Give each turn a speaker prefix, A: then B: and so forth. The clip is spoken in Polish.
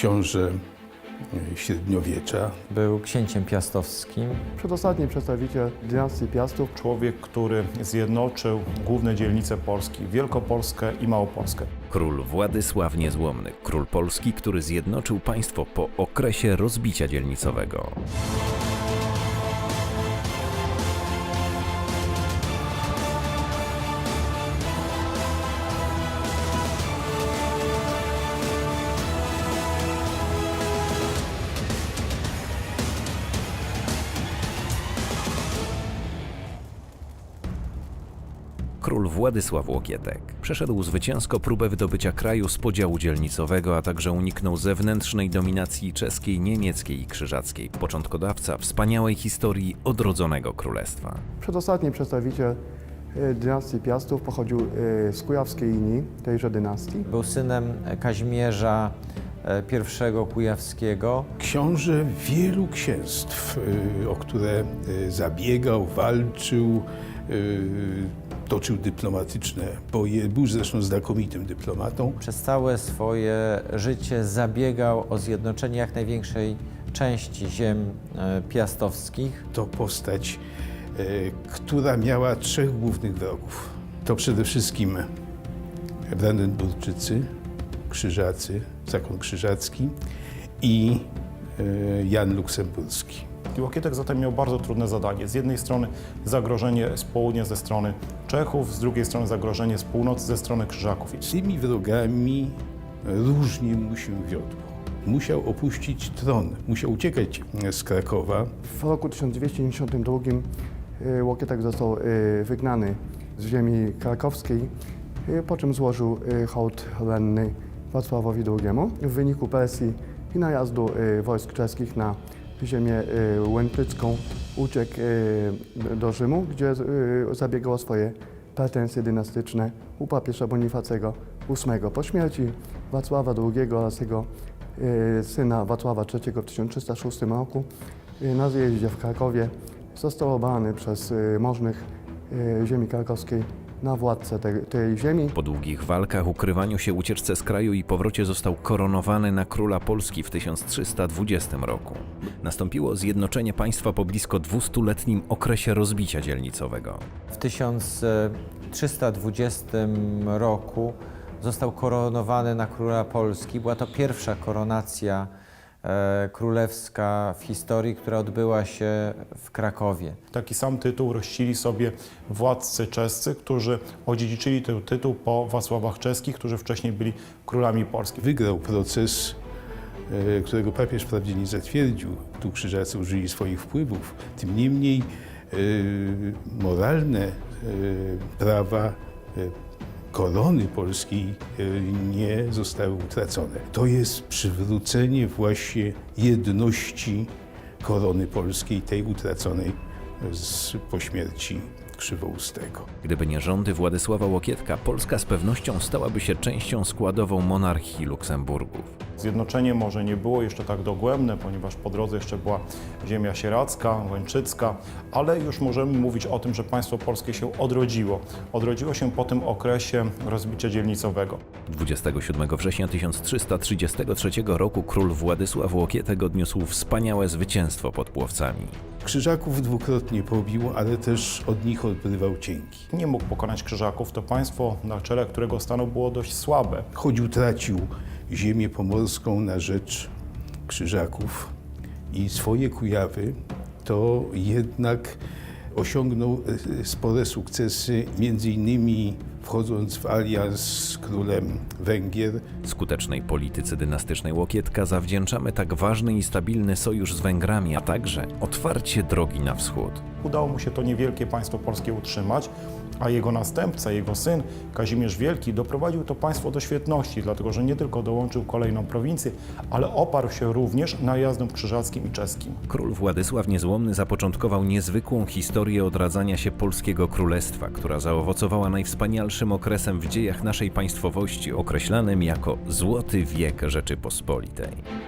A: książę średniowiecza.
B: Był księciem piastowskim.
C: Przedostatni przedstawiciel dynastii Piastów.
D: Człowiek, który zjednoczył główne dzielnice Polski, Wielkopolskę i Małopolskę.
E: Król Władysław Niezłomny, król Polski, który zjednoczył państwo po okresie rozbicia dzielnicowego. Król Władysław Łokietek przeszedł zwycięsko próbę wydobycia kraju z podziału dzielnicowego, a także uniknął zewnętrznej dominacji czeskiej, niemieckiej i krzyżackiej. Początkodawca wspaniałej historii odrodzonego królestwa.
C: Przedostatni przedstawiciel dynastii Piastów pochodził z kujawskiej linii tejże dynastii.
B: Był synem Kazimierza I Kujawskiego.
A: Książę wielu księstw, o które zabiegał, walczył, toczył dyplomatyczne boje. Był zresztą znakomitym dyplomatą.
B: Przez całe swoje życie zabiegał o zjednoczenie jak największej części ziem piastowskich.
A: To postać, która miała trzech głównych wrogów. To przede wszystkim Brandenburczycy, Krzyżacy, zakon krzyżacki i Jan Luksemburski.
D: Łokietek zatem miał bardzo trudne zadanie. Z jednej strony zagrożenie z południa ze strony Czechów, z drugiej strony zagrożenie z północy ze strstrony Krzyżaków.
A: Z tymi wrogami różnie mu się wiodło. Musiał opuścić tron, musiał uciekać z Krakowa.
C: W roku 1292 Łokietek został wygnany z ziemi krakowskiej, po czym złożył hołd lenny Wacławowi II. W wyniku presji i najazdu wojsk czeskich na ziemię łęczycką uciekł do Rzymu, gdzie zabiegał o swoje pretensje dynastyczne u papieża Bonifacego VIII. Po śmierci Wacława II oraz jego syna Wacława III w 1306 roku na zjeździe w Krakowie został obalany przez możnych ziemi krakowskiej na władcę tej ziemi.
E: Po długich walkach, ukrywaniu się, ucieczce z kraju i powrocie został koronowany na króla Polski w 1320 roku. Nastąpiło zjednoczenie państwa po blisko 200-letnim okresie rozbicia dzielnicowego.
B: W 1320 roku został koronowany na króla Polski. Była to pierwsza koronacja królewska w historii, która odbyła się w Krakowie.
D: Taki sam tytuł rościli sobie władcy czescy, którzy odziedziczyli ten tytuł po Wacławach czeskich, którzy wcześniej byli królami Polski.
A: Wygrał proces, którego papież wprawdzie nie zatwierdził. Tu krzyżacy użyli swoich wpływów. Tym niemniej moralne prawa korony polskiej nie zostały utracone. To jest przywrócenie właśnie jedności korony polskiej, tej utraconej po śmierci Krzywoustego.
E: Gdyby nie rządy Władysława Łokietka, Polska z pewnością stałaby się częścią składową monarchii Luksemburgów.
D: Zjednoczenie może nie było jeszcze tak dogłębne, ponieważ po drodze jeszcze była ziemia sieradzka, łęczycka, ale już możemy mówić o tym, że państwo polskie się odrodziło. Odrodziło się po tym okresie rozbicia dzielnicowego.
E: 27 września 1333 roku król Władysław Łokietek odniósł wspaniałe zwycięstwo pod Płowcami.
A: Krzyżaków dwukrotnie pobił, ale też od nich odrywał cienki.
D: Nie mógł pokonać Krzyżaków, to państwo, na czele którego stanął, było dość słabe.
A: Choć utracił ziemię pomorską na rzecz Krzyżaków i swoje Kujawy, to jednak osiągnął spore sukcesy, między innymi wchodząc w alians z królem Węgier.
E: Skutecznej polityce dynastycznej Łokietka zawdzięczamy tak ważny i stabilny sojusz z Węgrami, a także otwarcie drogi na wschód.
D: Udało mu się to niewielkie państwo polskie utrzymać, a jego następca, jego syn Kazimierz Wielki doprowadził to państwo do świetności, dlatego że nie tylko dołączył kolejną prowincję, ale oparł się również najazdom krzyżackim i czeskim.
E: Król Władysław Niezłomny zapoczątkował niezwykłą historię odradzania się polskiego królestwa, która zaowocowała najwspanialszym okresem w dziejach naszej państwowości, określanym jako Złoty Wiek Rzeczypospolitej.